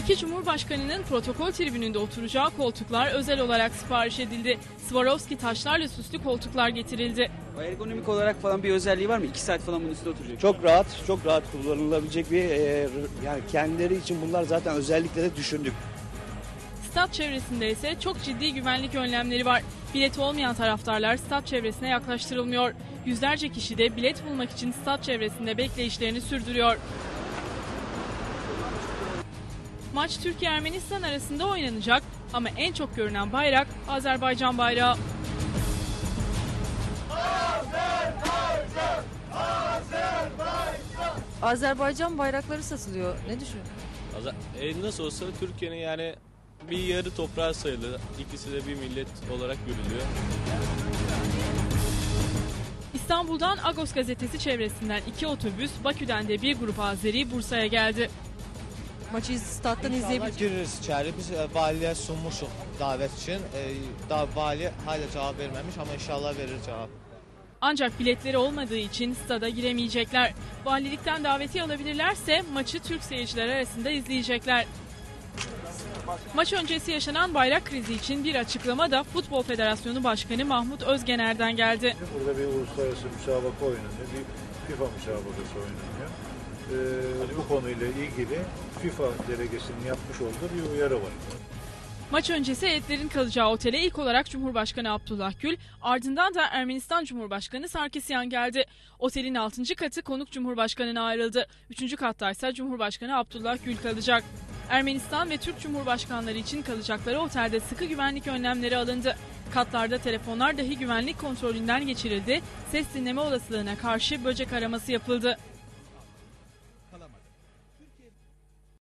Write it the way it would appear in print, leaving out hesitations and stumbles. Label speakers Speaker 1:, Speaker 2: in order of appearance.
Speaker 1: İki Cumhurbaşkanı'nın protokol tribününde oturacağı koltuklar özel olarak sipariş edildi. Swarovski taşlarla süslü koltuklar getirildi.
Speaker 2: Ergonomik olarak falan bir özelliği var mı? 2 saat falan bunun üstünde oturacak.
Speaker 3: Çok rahat kullanılabilecek bir yani kendileri için bunlar zaten özellikle de düşündük.
Speaker 1: Stat çevresinde ise çok ciddi güvenlik önlemleri var. Bileti olmayan taraftarlar stat çevresine yaklaştırılmıyor. Yüzlerce kişi de bilet bulmak için stat çevresinde bekleyişlerini sürdürüyor. Maç Türkiye-Ermenistan arasında oynanacak ama en çok görünen bayrak Azerbaycan bayrağı.
Speaker 4: Azerbaycan bayrakları satılıyor. Ne düşünüyorsun?
Speaker 5: Nasıl olsa Türkiye'nin yani bir yarı toprağı sayılır. İkisi de bir millet olarak görülüyor.
Speaker 1: İstanbul'dan Agos gazetesi çevresinden 2 otobüs, Bakü'den de bir grup Azeri Bursa'ya geldi.
Speaker 4: Maçı stat'tan izleyebiliriz.
Speaker 6: Giririz içeri. Biz valiyə sunmuşuq davet için. Daha vali hala cevap vermemiş ama inşallah verir cevap.
Speaker 1: Ancak biletleri olmadığı için stada giremeyecekler. Valilikten davetiye alabilirlerse maçı Türk seyirciler arasında izleyecekler. Maç öncesi yaşanan bayrak krizi için bir açıklama da Futbol Federasyonu Başkanı Mahmut Özgener'den geldi.
Speaker 7: Burada bir uluslararası müsabaka oynanıyor, bir FIFA müsabakası oynanıyor. Bu konuyla ilgili FIFA delegesinin yapmış olduğu bir uyarı var.
Speaker 1: Maç öncesi heyetlerin kalacağı otele ilk olarak Cumhurbaşkanı Abdullah Gül, ardından da Ermenistan Cumhurbaşkanı Sarkisyan geldi. Otelin 6. katı konuk Cumhurbaşkanı'na ayrıldı. 3. katta ise Cumhurbaşkanı Abdullah Gül kalacak. Ermenistan ve Türk Cumhurbaşkanları için kalacakları otelde sıkı güvenlik önlemleri alındı. Katlarda telefonlar dahi güvenlik kontrolünden geçirildi. Ses dinleme olasılığına karşı böcek araması yapıldı.